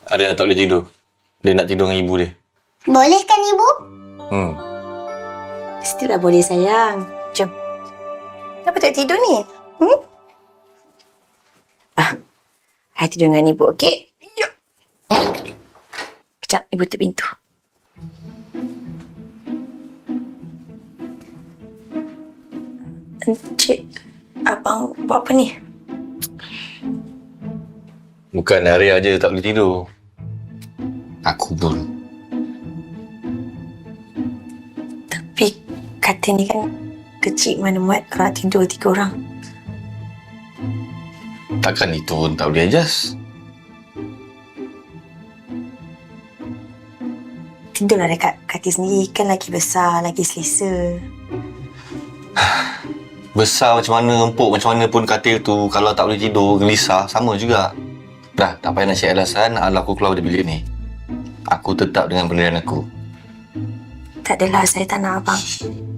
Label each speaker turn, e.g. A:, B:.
A: Ada yang tak boleh tidur. Dia nak tidur dengan ibu dia.
B: Boleh kan ibu?
C: Mestilah boleh sayang. Jom. Kenapa tak tidur ni? I tidur dengan ibu, okey? Yuk. Kejap, ibu tutup pintu. Encik, abang buat apa ni?
A: Bukan Arya je tak boleh tidur. Aku pun.
C: Tapi katil ni kan kecil mana muat kalau nak tidur 3 orang.
A: Takkan itu pun tak boleh adjust.
C: Tidurlah dekat katil sendiri, kan lagi besar, lagi selesa.
A: Besar macam mana, empuk macam mana pun katil tu, kalau tak boleh tidur, gelisah, sama juga. Dah, tak payah nak cari alasan, ala aku keluar dari bilik ni. Aku tetap dengan pendirian aku.
C: Tak adalah, saya tak nak abang